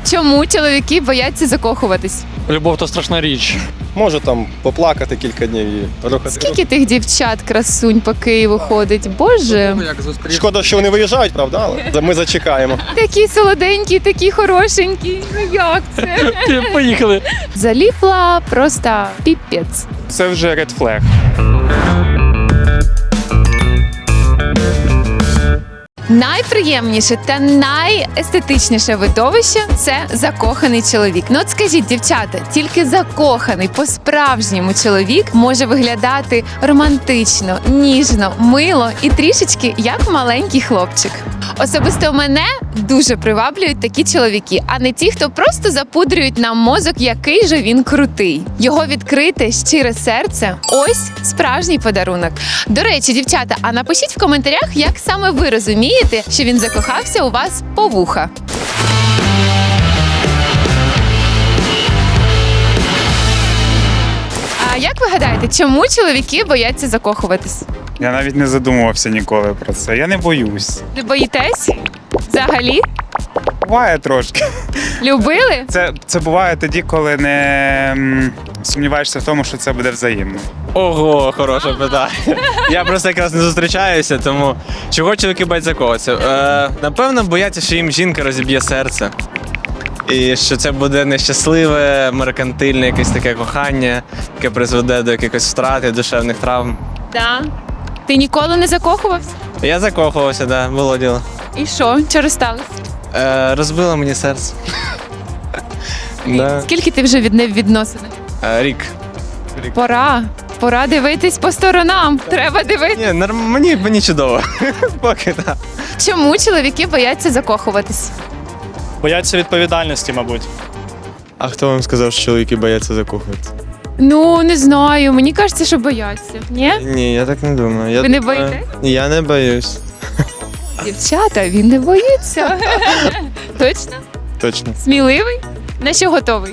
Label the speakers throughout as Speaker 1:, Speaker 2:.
Speaker 1: Чому чоловіки бояться закохуватись?
Speaker 2: Любов то страшна річ.
Speaker 3: Можу там поплакати кілька днів і рухати.
Speaker 1: Скільки тих дівчат, красунь по Києву ходить? Боже,
Speaker 3: Шкода, що вони виїжджають, правда? Але ми зачекаємо.
Speaker 1: такі солоденькі, такі хорошенькі. Ну як це?
Speaker 2: Поїхали.
Speaker 1: Заліпла просто піпець.
Speaker 2: Це вже red flag.
Speaker 1: Найприємніше та найестетичніше видовище – це закоханий чоловік. Ну от скажіть, дівчата, тільки закоханий по-справжньому чоловік може виглядати романтично, ніжно, мило і трішечки як маленький хлопчик. Особисто мене дуже приваблюють такі чоловіки, а не ті, хто просто запудрюють нам мозок, який же він крутий. Його відкрите, щире серце – ось справжній подарунок. До речі, дівчата, а напишіть в коментарях, як саме ви розумієте, що він закохався у вас по вуха. А як ви гадаєте, чому чоловіки бояться закохуватись?
Speaker 4: Я навіть не задумувався ніколи про це. Я не боюсь.
Speaker 1: Не боїтесь? Взагалі?
Speaker 4: Буває трошки.
Speaker 1: Любили?
Speaker 4: Це буває тоді, коли не сумніваєшся в тому, що це буде взаємно.
Speaker 5: Ого, хороше питання. Я просто якраз не зустрічаюся, тому чого чоловіки бояться закохатися? Напевно, бояться, що їм жінка розіб'є серце. І що це буде нещасливе, меркантильне якесь таке кохання, яке призведе до якихось втрат і душевних травм.
Speaker 1: Да. Ти ніколи не закохувався?
Speaker 5: Я закохувався, да, було діло.
Speaker 1: І що? Що розсталось?
Speaker 5: Розбило мені серце. Да.
Speaker 1: Скільки ти вже в відносинах?
Speaker 5: Рік.
Speaker 1: Пора дивитись по сторонам. Треба дивитись.
Speaker 5: Ні, мені чудово. Поки так.
Speaker 1: Чому чоловіки бояться закохуватись?
Speaker 2: Бояться відповідальності, мабуть.
Speaker 6: А хто вам сказав, що чоловіки бояться закохуватися?
Speaker 1: Ну, не знаю. Мені кажеться, що бояться. Ні?
Speaker 6: Ні, я так не думаю.
Speaker 1: Ви не боїтесь?
Speaker 6: Я не боюсь.
Speaker 1: Дівчата, він не боїться. Точно?
Speaker 6: Точно.
Speaker 1: Сміливий? На що готовий?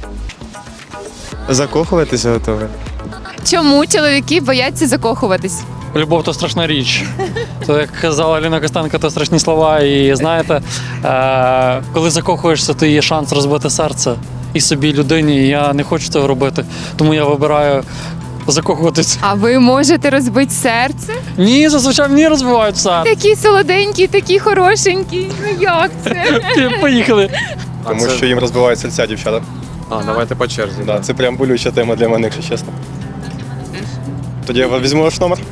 Speaker 6: Закохуватися готові?
Speaker 1: Чому чоловіки бояться закохуватись?
Speaker 2: Любов то страшна річ. То, як казала Ліна Костенко, то страшні слова. І знаєте, коли закохуєшся, то є шанс розбити серце і собі, і людині. І я не хочу цього робити. Тому я вибираю закохуватись.
Speaker 1: А ви можете розбити серце?
Speaker 2: Ні, зазвичай мені розбивають все.
Speaker 1: Такі солоденькі, такі хорошенькі. Ну як це?
Speaker 2: Поїхали.
Speaker 3: Тому що їм розбивають серця дівчата.
Speaker 5: Давайте по черзі.
Speaker 3: Да, це прям болюча тема для мене, якщо чесно. Тоді я візьму ваш номер.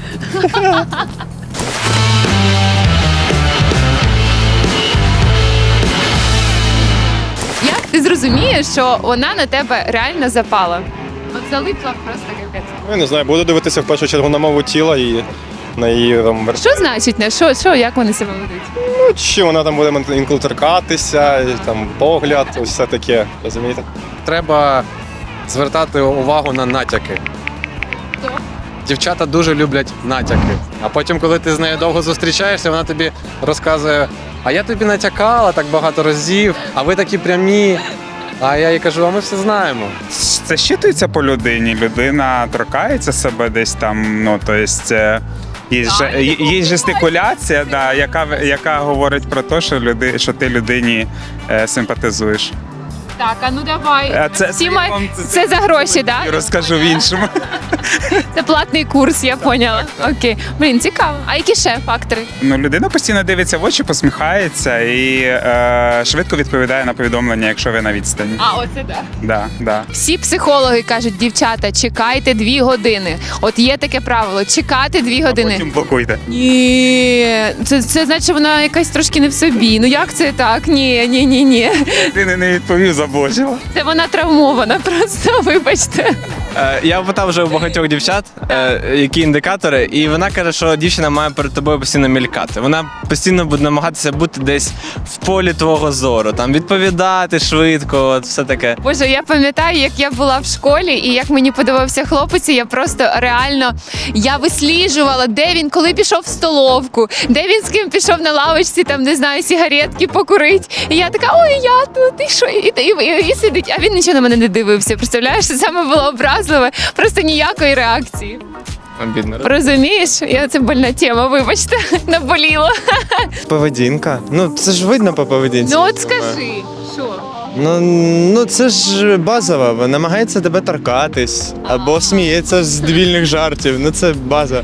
Speaker 1: Як ти зрозумієш, що вона на тебе реально запала? От залипла просто капець.
Speaker 3: Ну, я не знаю, буду дивитися в першу чергу на мову тіла і на її там
Speaker 1: Що значить не? Що, як вони себе ведуть?
Speaker 3: Ну, чи вона там буде інколи торкатися, і там погляд, ось все таке, розумієте?
Speaker 7: Треба звертати увагу на натяки.
Speaker 1: Хто?
Speaker 7: Дівчата дуже люблять натяки. А потім, коли ти з нею довго зустрічаєшся, вона тобі розказує: а я тобі натякала так багато разів, а ви такі прямі. А я їй кажу, а ми все знаємо.
Speaker 4: Це щитується по людині. Людина торкається себе десь там, ну, то есть, є жестикуляція, да, яка говорить про те, що ти людині симпатизуєш.
Speaker 1: Так, а ну давай.
Speaker 4: Це
Speaker 1: Це за гроші, так?
Speaker 4: я розкажу в іншому.
Speaker 1: Це платний курс, я поняла. Окей. Блін, цікаво. А які ще фактори?
Speaker 4: Ну, людина постійно дивиться в очі, посміхається і швидко відповідає на повідомлення, якщо ви на відстані.
Speaker 1: А, оце так.
Speaker 4: Да.
Speaker 1: Всі психологи кажуть, дівчата, чекайте 2 години. От є таке правило, чекати 2 години.
Speaker 4: Потім блокуйте.
Speaker 1: Ні, це значить, що вона якась трошки не в собі. Ну як це так? Ні.
Speaker 4: Ти не відповів, заблочила.
Speaker 1: Це вона травмована просто, вибачте.
Speaker 5: Я питав вже у багатьох дівчат, які індикатори, і вона каже, що дівчина має перед тобою постійно мількати. Вона постійно буде намагатися бути десь в полі твого зору, там відповідати швидко, от все таке.
Speaker 1: Боже, я пам'ятаю, як я була в школі і як мені подобався хлопець, і я просто реально висліджувала, де він, коли пішов в столовку, де він з ким пішов на лавочці, там, не знаю, сигаретки покурить. І я така, ой, я тут, і що? І сидить, а він нічого на мене не дивився. Представляєш, це саме було образливе, просто ніякої реакції.
Speaker 5: Обідно.
Speaker 1: Розумієш? Це больна тема, вибачте, наболіло.
Speaker 6: Поведінка. Ну, це ж видно по поведінці.
Speaker 1: Ну от скажи, що?
Speaker 6: Ну це ж базово. Намагається тебе торкатись або сміється з дебільних жартів. Ну це база.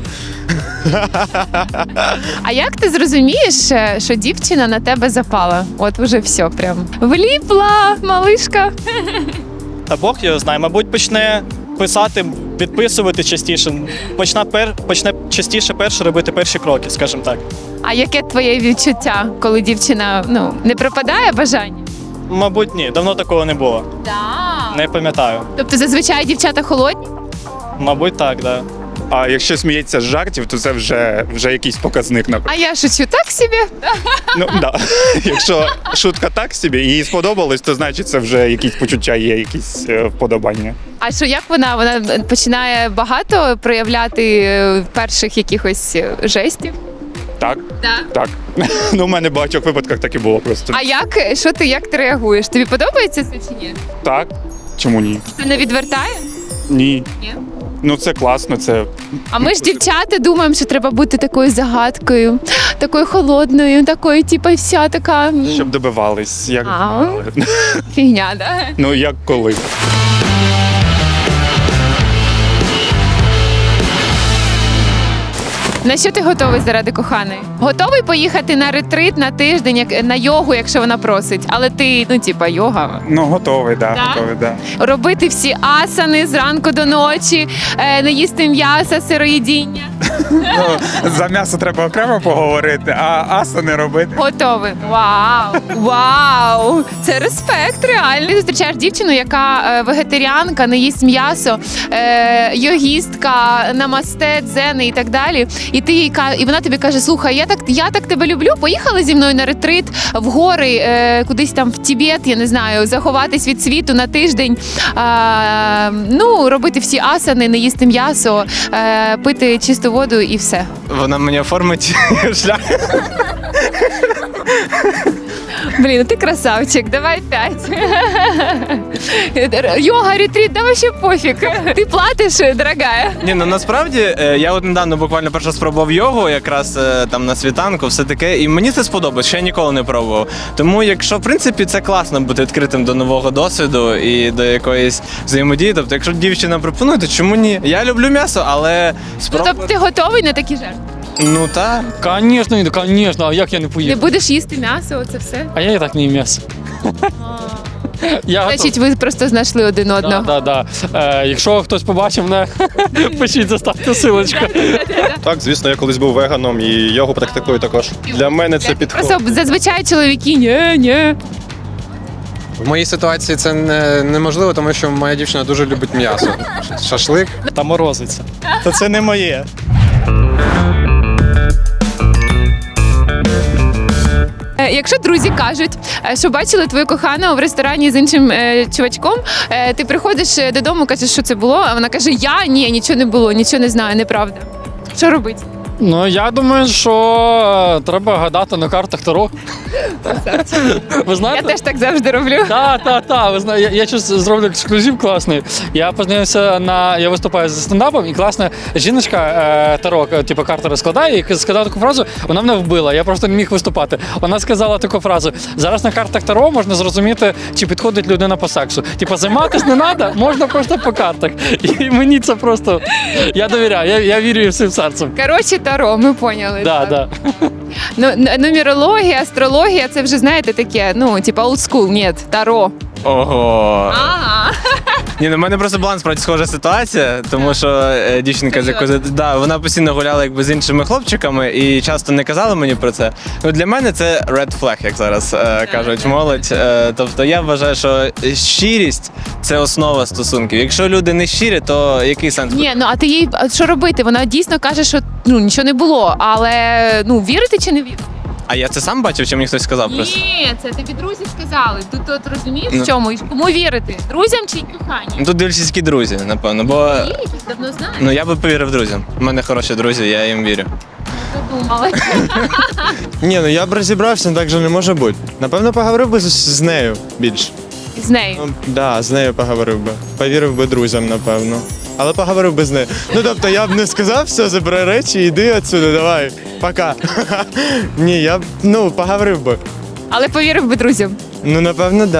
Speaker 1: А як ти зрозумієш, що дівчина на тебе запала? От уже все прям. Вліпла, малишка.
Speaker 8: Та Бог його знає, мабуть, почне писати, підписувати частіше. Почне частіше перше робити перші кроки, скажімо так.
Speaker 1: А яке твоє відчуття, коли дівчина не пропадає бажання?
Speaker 8: Мабуть, ні, давно такого не було.
Speaker 1: Так.
Speaker 8: Не пам'ятаю.
Speaker 1: Тобто зазвичай дівчата холодні?
Speaker 8: Мабуть, так, да.
Speaker 4: А якщо сміється з жартів, то це вже якийсь показник.
Speaker 1: А я шучу так собі.
Speaker 4: Ну да. Якщо шутка так собі, їй сподобалось, то значить це вже якісь почуття є, якісь вподобання.
Speaker 1: А що як вона? Вона починає багато проявляти перших якихось жестів?
Speaker 4: Так,
Speaker 1: Так.
Speaker 4: так. Ну, у мене в багатьох випадках так і було просто.
Speaker 1: А як ти реагуєш? Тобі подобається це чи ні?
Speaker 4: Так. Чому ні?
Speaker 1: Це не відвертає?
Speaker 4: Ні.
Speaker 1: Ні.
Speaker 4: Ну це класно, це.
Speaker 1: А ми ж дівчата думаємо, що треба бути такою загадкою, такою холодною, такою, типу, вся така
Speaker 4: Щоб добивались. Як...
Speaker 1: А. фігня, да?
Speaker 4: Ну як коли.
Speaker 1: На що ти готовий заради коханої? Готовий поїхати на ретрит на тиждень, на йогу, якщо вона просить, але ти, йога.
Speaker 4: Ну, готовий,
Speaker 1: Да?
Speaker 4: готовий, да.
Speaker 1: Робити всі асани зранку до ночі, не їсти м'яса, сироїдіння.
Speaker 4: Ну, за м'ясо треба окремо поговорити, а аса не робити.
Speaker 1: Готовий. Вау! Вау! Це респект, реально. Ти зустрічаєш дівчину, яка вегетаріанка, не їсть м'ясо, йогістка, намасте, дзени і так далі. І вона тобі каже: слухай, я так тебе люблю. Поїхали зі мною на ретрит в гори, кудись там в Тібет, я не знаю, заховатись від світу на тиждень. Робити всі асани, не їсти м'ясо, пити чисту воду і все.
Speaker 5: Вона мені оформить шлях.
Speaker 1: Блін, ти красавчик, давай 5. Йога, ретрит, да вообще пофіг. Ти платиш, дорогая.
Speaker 5: Ні, ну насправді я от недавно буквально перше спробував йогу, якраз там на світанку, все таке, і мені це сподобалось, ще я ніколи не пробував. Тому, якщо в принципі це класно бути відкритим до нового досвіду і до якоїсь взаємодії, тобто, якщо дівчина пропонує, то чому ні? Я люблю м'ясо, але
Speaker 1: Тобто ти готовий на такі жертви?
Speaker 5: Ну так.
Speaker 2: Конечно, а як я не
Speaker 1: Не
Speaker 2: поїду?
Speaker 1: будеш їсти м'ясо, оце все?
Speaker 2: А я і так не їм м'ясо. Я готов.
Speaker 1: Значить, ви просто знайшли один одного.
Speaker 2: Да. Якщо хтось побачив мене, пишіть, заставте силочку.
Speaker 3: Так, звісно, я колись був веганом і йогу практикую також. Для мене це підходить.
Speaker 1: Просто зазвичай чоловіки, ні.
Speaker 7: В моїй ситуації це неможливо, тому що моя дівчина дуже любить м'ясо. Шашлик.
Speaker 8: Та морозиться. Та це не моє.
Speaker 1: Якщо друзі кажуть, що бачили твою кохану в ресторані з іншим чувачком, ти приходиш додому, кажеш, що це було, а вона каже: ні, нічого не було, нічого не знаю, неправда. Що робити?
Speaker 2: Ну, я думаю, що треба гадати на картах Таро. Ви
Speaker 1: Я
Speaker 2: знаєте?
Speaker 1: теж так завжди роблю.
Speaker 2: Так. Ви знаєте, я щось зроблю ексклюзив класний. Я познайомився я виступаю зі стендапом, і класна жіночка Таро, типу карта розкладає, і сказала таку фразу, вона мене вбила, я просто не міг виступати. Вона сказала таку фразу: зараз на картах Таро можна зрозуміти, чи підходить людина по сексу. Типу, займатися не треба, можна просто по картах. І мені це просто, я довіряю, я вірю їй всім серцем.
Speaker 1: Коротше, Таро, ми поняли.
Speaker 2: Да.
Speaker 1: Нумерологія, астрологія, це вже, знаєте, таке, типа old school, ні, Таро.
Speaker 5: Ого.
Speaker 1: Ага.
Speaker 5: Ні, ну в мене просто була насправді схожа ситуація, тому що дівчинка, з якою вона постійно гуляла якби з іншими хлопчиками і часто не казала мені про це. Ну для мене це red flag, як зараз кажуть молодь. Тобто я вважаю, що щирість це основа стосунків. Якщо люди не щирі, то який сенс?
Speaker 1: Ні, а ти їй що робити? Вона дійсно каже, що нічого не було, але вірити чи не вірити?
Speaker 5: А я це сам бачив, чи мені хтось сказав просто?
Speaker 1: Ні, це тобі друзі сказали. Тут розумієш
Speaker 5: Ну.
Speaker 1: в чому? І кому вірити? Друзям чи коханню?
Speaker 5: Ну, тут дивлячись, які друзі, напевно, бо
Speaker 1: Ні, давно знаю.
Speaker 5: ну я би повірив друзям. У мене хороші друзі, я їм вірю.
Speaker 1: Задумала.
Speaker 6: Ні, ну я б розібрався, так же не може бути. Напевно, поговорив би з нею більше.
Speaker 1: З нею.
Speaker 6: З нею поговорив би. Повірив би друзям, напевно. Але поговорив би з нею. Ну тобто я б не сказав, все, забирай речі, йди отсюди, давай, пока. Ні, я б поговорив би.
Speaker 1: Але повірив би друзям.
Speaker 6: Ну, напевно, да.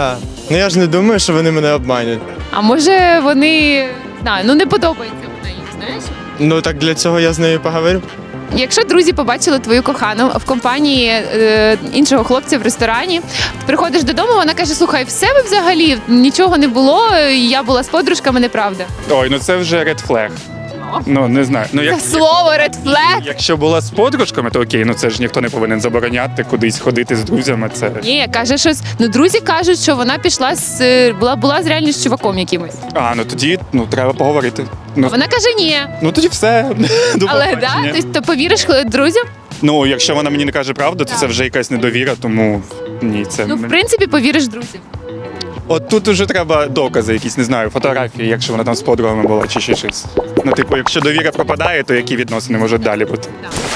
Speaker 6: Ну я ж не думаю, що вони мене обманюють.
Speaker 1: А може вони, знаю, ну не подобається вона їм, знаєш?
Speaker 6: Ну так для цього я з нею поговорю.
Speaker 1: Якщо друзі побачили твою кохану в компанії іншого хлопця в ресторані, ти приходиш додому, вона каже: слухай, в себе взагалі нічого не було, я була з подружками, неправда.
Speaker 9: Ой, ну це вже red flag. Ну, не знаю. Ну,
Speaker 1: Це слово red flag.
Speaker 9: якщо була з подружками, то окей, ну це ж ніхто не повинен забороняти кудись ходити з друзями. Це
Speaker 1: Ні, каже щось. Ну, друзі кажуть, що вона пішла була з реально з чуваком якимось.
Speaker 9: ну тоді треба поговорити. Ну,
Speaker 1: Вона каже ні.
Speaker 9: ну тоді все. До
Speaker 1: Але
Speaker 9: побачення.
Speaker 1: да, ти повіриш друзям?
Speaker 9: Ну, якщо вона мені не каже правду, то це вже якась недовіра, тому ні, це
Speaker 1: Ну, в принципі, повіриш друзям.
Speaker 9: От тут уже треба докази, якісь, не знаю, фотографії, якщо вона там з подругами була чи ще щось. Ну, типу, якщо довіра пропадає, то які відносини можуть далі бути?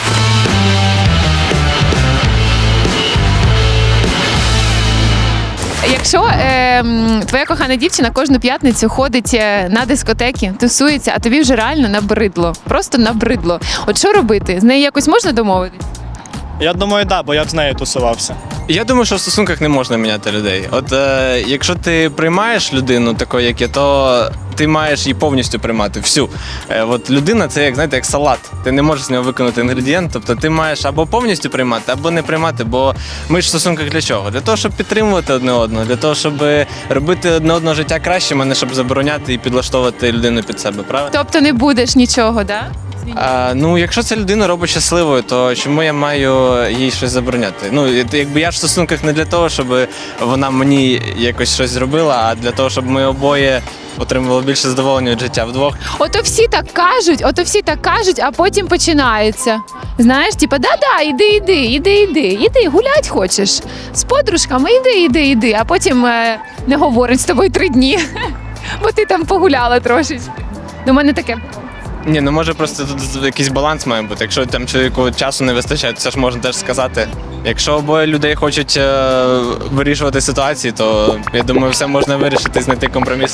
Speaker 1: Якщо твоя кохана дівчина кожну п'ятницю ходить на дискотеки, тусується, а тобі вже реально набридло. Просто набридло. От що робити? З нею якось можна домовитись?
Speaker 8: Я думаю, да, бо я б з нею тусувався.
Speaker 5: Я думаю, що в стосунках не можна міняти людей. От якщо ти приймаєш людину такою, як є, то ти маєш її повністю приймати. Всю. От людина це як, знаєте, як салат. Ти не можеш з нього виконати інгредієнт. Тобто ти маєш або повністю приймати, або не приймати. Бо ми ж в стосунках для чого? Для того, щоб підтримувати одне одного, для того, щоб робити одне одного життя кращим, а не щоб забороняти і підлаштовувати людину під себе. Правильно?
Speaker 1: Тобто не будеш нічого, да?
Speaker 5: Ну, якщо ця людина робить щасливою, то чому я маю їй щось забороняти? Ну, якби я ж в стосунках не для того, щоб вона мені якось щось зробила, а для того, щоб ми обоє отримували більше задоволення від життя вдвох.
Speaker 1: Ото всі так кажуть, а потім починається. Знаєш, типа, да-да, іди, гулять хочеш. З подружками іди, а потім не говорить з тобою 3 дні, бо ти там погуляла трошечки. У мене таке.
Speaker 5: Ні, ну може просто тут якийсь баланс має бути. Якщо там чоловіку часу не вистачає, то це ж можна теж сказати. Якщо обоє людей хочуть вирішувати ситуації, то я думаю, все можна вирішити, знайти компроміс.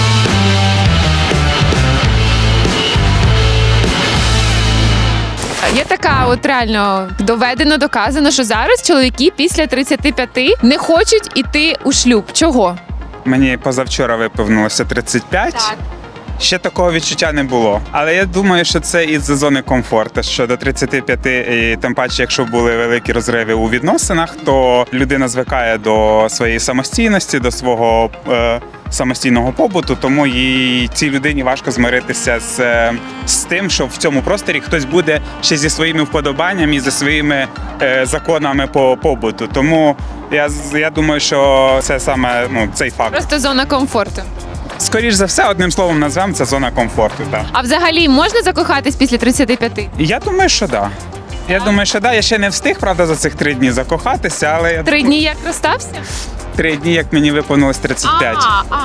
Speaker 1: Є така, от реально доведено, доказано, що зараз чоловіки після 35 не хочуть іти у шлюб. Чого?
Speaker 4: Мені позавчора виповнилося 35.
Speaker 1: Так.
Speaker 4: Ще такого відчуття не було. Але я думаю, що це із-за зони комфорту. Що до 35, і тим паче, якщо були великі розриви у відносинах, то людина звикає до своєї самостійності, до свого самостійного побуту, тому цій людині важко змиритися з тим, що в цьому просторі хтось буде ще зі своїми вподобаннями і зі своїми законами по побуту. Тому я думаю, що це саме цей факт.
Speaker 1: Просто зона комфорту.
Speaker 4: Скоріш за все, одним словом назвемо, це зона комфорту. Так.
Speaker 1: А взагалі можна закохатись після 35?
Speaker 4: Я думаю, що да. Я думаю, що да. Я ще не встиг, правда, за цих 3 дні закохатися, але
Speaker 1: 3 дні як розстався?
Speaker 4: 3 дні, як мені виповнилось 35.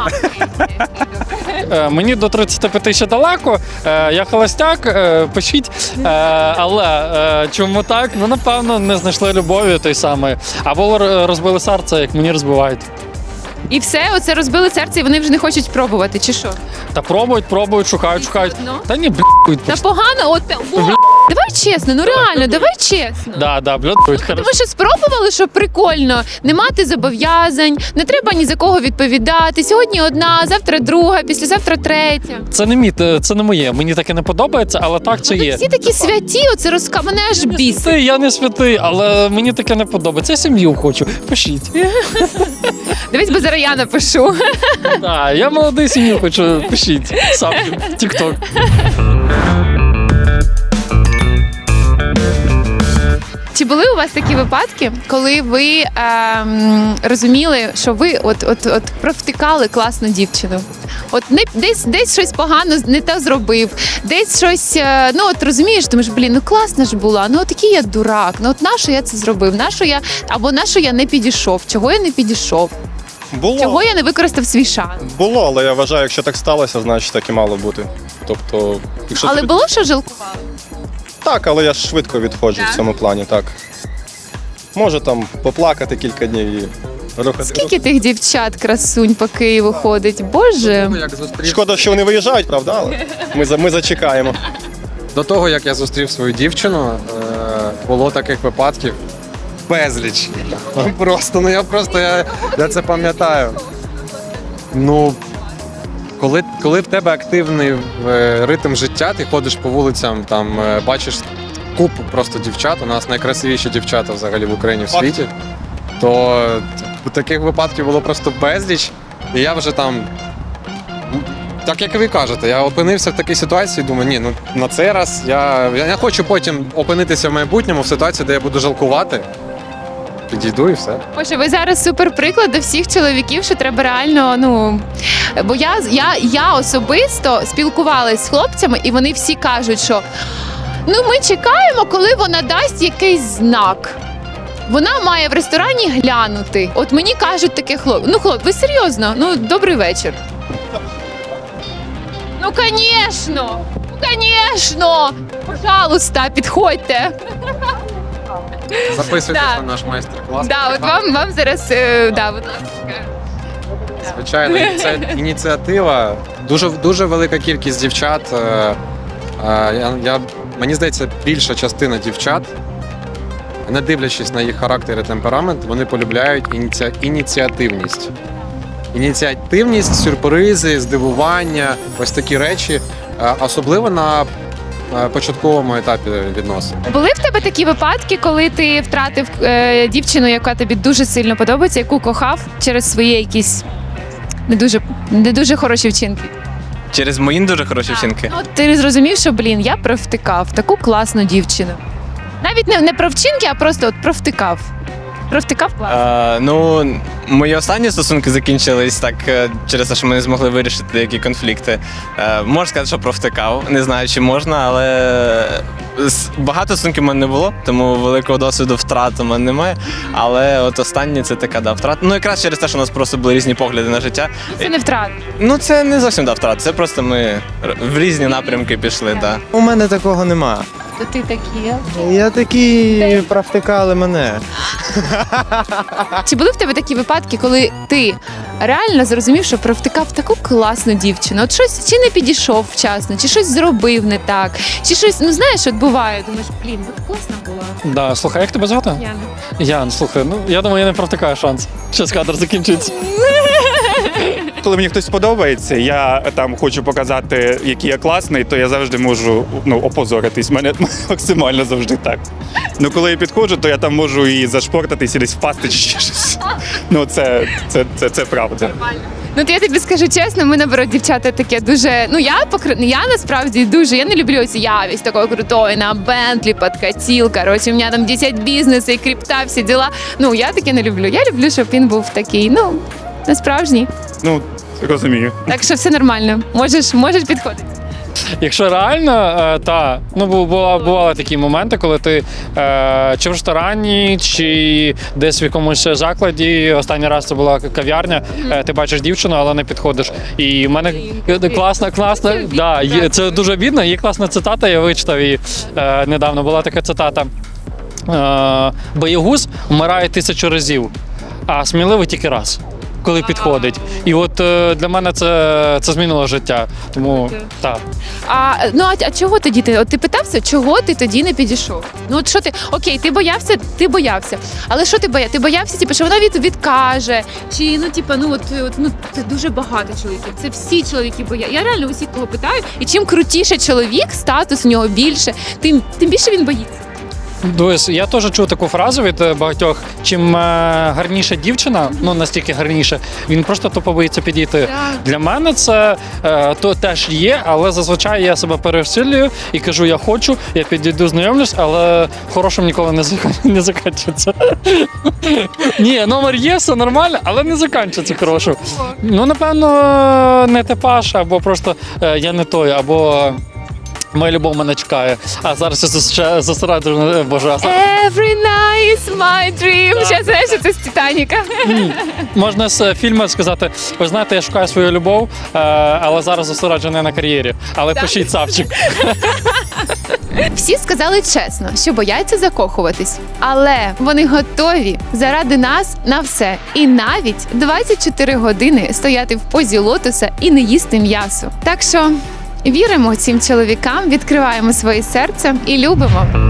Speaker 2: Мені до 35 ще далеко, я холостяк, пишіть. Але чому так? Ну, напевно, не знайшли любові той самої. Або розбили серце, як мені розбивають.
Speaker 1: І все, оце розбили серце, і вони вже не хочуть пробувати, чи що?
Speaker 2: Та пробують, шукають.
Speaker 1: одно?
Speaker 2: Та ні,
Speaker 1: Та погано, давай чесно, ну реально, давай чесно.
Speaker 2: Да, блядь.
Speaker 1: Тому що спробували, що прикольно, не мати зобов'язань, не треба ні за кого відповідати. Сьогодні одна, завтра друга, післязавтра третя.
Speaker 2: Це не моє, мені таке не подобається, але так це є.
Speaker 1: Всі такі святі, оце мене аж бісить.
Speaker 2: Святий, я не святий, але мені таке не подобається. Я сім'ю хочу. Пишіть.
Speaker 1: Дивись, бо зараз я напишу.
Speaker 2: Так, я молодий, сім'ю хочу. Пишіть. Сам тік-ток.
Speaker 1: Чи були у вас такі випадки, коли ви розуміли, що ви от провтикали класну дівчину? От десь щось погано не те зробив, десь щось, розумієш, думаєш, ну класна ж була, ну такий я дурак, ну от нащо я це зробив, нащо я не підійшов, чого я не підійшов, чого я не використав свій шанс?
Speaker 3: Було, але я вважаю, якщо так сталося, значить так і мало бути. Тобто, якщо
Speaker 1: Але було, що жалкували?
Speaker 3: Так, але я ж швидко відходжу в цьому плані, так. Може там поплакати кілька днів і рухати.
Speaker 1: Скільки тих дівчат красунь по Києву ходить? Боже.
Speaker 3: Шкода, що вони виїжджають, правда? Але ми зачекаємо.
Speaker 7: До того, як я зустрів свою дівчину, було таких випадків безліч. Я це пам'ятаю. Ну, коли в тебе активний ритм життя, ти ходиш по вулицям, там бачиш купу просто дівчат, у нас найкрасивіші дівчата взагалі в Україні в світі, то таких випадків було просто безліч. І я вже там, так як і ви кажете, я опинився в такій ситуації, думаю, ні, ну на цей раз я не хочу потім опинитися в майбутньому в ситуації, де я буду жалкувати. Підійду і все.
Speaker 1: Боже, ви зараз супер приклад до всіх чоловіків, що треба реально, ну. Бо я особисто спілкувалась з хлопцями, і вони всі кажуть, що ну ми чекаємо, коли вона дасть якийсь знак. Вона має в ресторані глянути. От мені кажуть таке ну хлоп, ви серйозно? Ну, добрий вечір. Ну, звісно! Ну, звісно! Пожалуйста, підходьте.
Speaker 7: Записуйтесь
Speaker 1: Да.
Speaker 7: на наш майстер-клас.
Speaker 1: Да, от вам зараз, да, будь ласка.
Speaker 7: Звичайно, це ініціатива. Дуже велика кількість дівчат. Мені здається, більша частина дівчат, не дивлячись на їх характер і темперамент, вони полюбляють ініціативність. Ініціативність, сюрпризи, здивування, ось такі речі, особливо на початковому етапі відносин.
Speaker 1: Були в тебе такі випадки, коли ти втратив дівчину, яка тобі дуже сильно подобається, яку кохав через свої якісь не дуже хороші вчинки?
Speaker 5: Через мої дуже хороші вчинки.
Speaker 1: Ну, ти зрозумів, що, я провтикав таку класну дівчину. Навіть не про вчинки, а просто от провтикав. Провтикав класно.
Speaker 5: Ну, мої останні стосунки закінчились так через те, що ми не змогли вирішити деякі конфлікти. Можна сказати, що провтикав. Не знаю, чи можна, але багато стосунків в мене не було, тому великого досвіду втрат у мене немає. Але от останні це така втрата. Ну, якраз через те, що у нас просто були різні погляди на життя.
Speaker 1: Це не втрат.
Speaker 5: Ну, це не зовсім втрат, це просто ми в різні напрямки пішли. Да.
Speaker 6: У мене такого нема.
Speaker 1: То ти такі.
Speaker 6: Я такі провтикали мене.
Speaker 1: Чи були в тебе такі випадки, коли ти реально зрозумів, що провтикав таку класну дівчину? От щось чи не підійшов вчасно, чи щось зробив не так, чи щось, ну знаєш, от буває, думаєш, от класна була.
Speaker 2: Да, слухай, як тебе звати?
Speaker 1: Яна.
Speaker 2: Ян, слухай, ну я думаю, я не провтикаю шанс. Щас кадр закінчиться.
Speaker 9: Коли мені хтось подобається, я там хочу показати, який я класний, то я завжди можу опозоритись. Мене максимально завжди так. Ну коли я підходжу, то я там можу і зашпортатись, і десь впасти чи ще щось. Ну це правда.
Speaker 1: Ну, то я тобі скажу чесно, ми наоборот, дівчата таке дуже. Ну, я насправді дуже. Я не люблю ось я весь такой крутой, на Бентлі, подкатил. Короче, у мене там 10 бізнесу і крипта, всі діла. Ну, я таке не люблю. Я люблю, щоб він був такий, ну, не справжній.
Speaker 9: Ну, розумію.
Speaker 1: Так що все нормально. Можеш підходити.
Speaker 2: Якщо реально, бували такі моменти, коли ти чи в ресторані, чи десь в якомусь закладі, останній раз це була кав'ярня, ти бачиш дівчину, але не підходиш. І в мене класна, да, це дуже обідно, є класна цитата, я вичитав її недавно, була така цитата. Боягуз вмирає 1000 разів, а сміливий тільки раз. Коли підходить. І от для мене це змінило життя. Тому так.
Speaker 1: А чого тоді ти? От ти питався, чого ти тоді не підійшов? Ну от що ти? Окей, ти боявся. Але що ти боявся? Ти боявся, що вона відкаже? Чи це дуже багато чоловіків. Це всі чоловіки бояться. Я реально усіх кого питаю. І чим крутіше чоловік, статус у нього більше, тим більше він боїться.
Speaker 2: Дивись, я теж чув таку фразу від багатьох. Чим гарніша дівчина, ну настільки гарніше, він просто тупо боїться підійти.
Speaker 1: Так.
Speaker 2: Для мене це то теж є, але зазвичай я себе пересилюю і кажу, я хочу, я підійду, знайомлюсь, але хорошим ніколи не закінчиться. Ні, номер є, все нормально, але не закінчиться хорошим. Ну, напевно, не типаж, або просто я не той, або моя любов мене чекає. А зараз я зосереджу, боже.
Speaker 1: Every night is my dream. Ще знаєш, це з Титаніка.
Speaker 2: Можна з фільму сказати, ви знаєте, я шукаю свою любов, але зараз зосереджений на кар'єрі. Але пишіть Савчик.
Speaker 1: Всі сказали чесно, що бояться закохуватись. Але вони готові заради нас на все. І навіть 24 години стояти в позі лотоса і не їсти м'ясо. Так що віримо цим чоловікам, відкриваємо своє серце і любимо.